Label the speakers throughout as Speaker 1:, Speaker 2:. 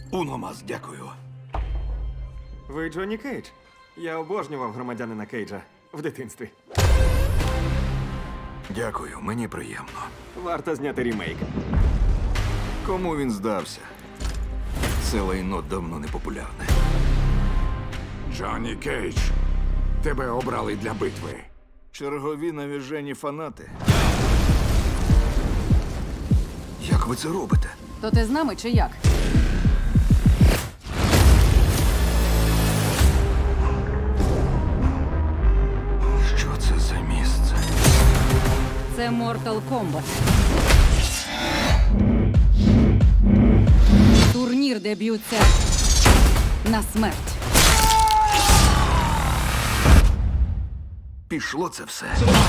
Speaker 1: Уно мас, дякую.
Speaker 2: Ви Джонні Кейдж? Я обожнював громадянина Кейджа в дитинстві.
Speaker 1: Дякую, мені приємно.
Speaker 2: Варто зняти рімейк.
Speaker 1: Кому він здався? Це лайно давно не популярне.
Speaker 3: Джонні Кейдж, тебе обрали для битви.
Speaker 1: Чергові навіжені фанати. Як ви це робите?
Speaker 4: То ти з нами чи як?
Speaker 1: Що це за місце?
Speaker 4: Це Mortal Kombat. Турнір, де б'ються на смерть.
Speaker 1: Пішло це все.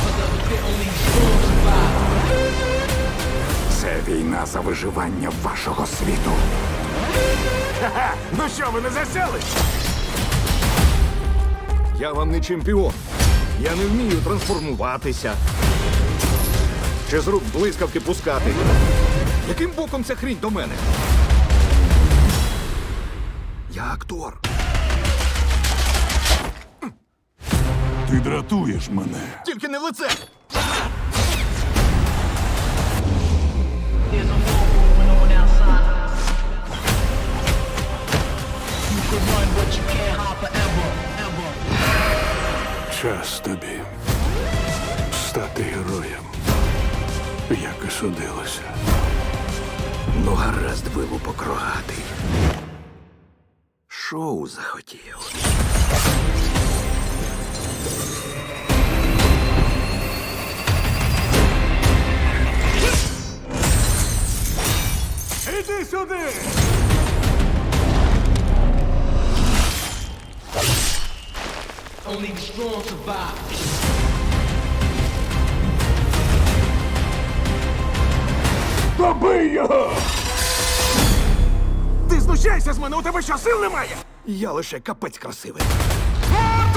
Speaker 3: Це війна за виживання вашого світу. Ну що, ви не засяли?
Speaker 1: Я вам не чемпіон. Я не вмію трансформуватися. Чи з рук блискавки пускати. Яким боком ця хрінь до мене? Я актор.
Speaker 3: Ти дратуєш мене.
Speaker 1: Тільки не в лице.
Speaker 5: There's a war going on outside. You could run, but you can't hide forever, ever.
Speaker 3: Час тобі стати героєм, як і судилося.
Speaker 1: Ну, гаразд, вилупок рогатий. Шоу захотів.
Speaker 3: Іди сюди!
Speaker 5: Only the strong survive.
Speaker 3: Добий його!
Speaker 2: Ти знущайся з мене, у тебе що, сил немає?
Speaker 1: Я лише капець красивий.
Speaker 3: Мордо!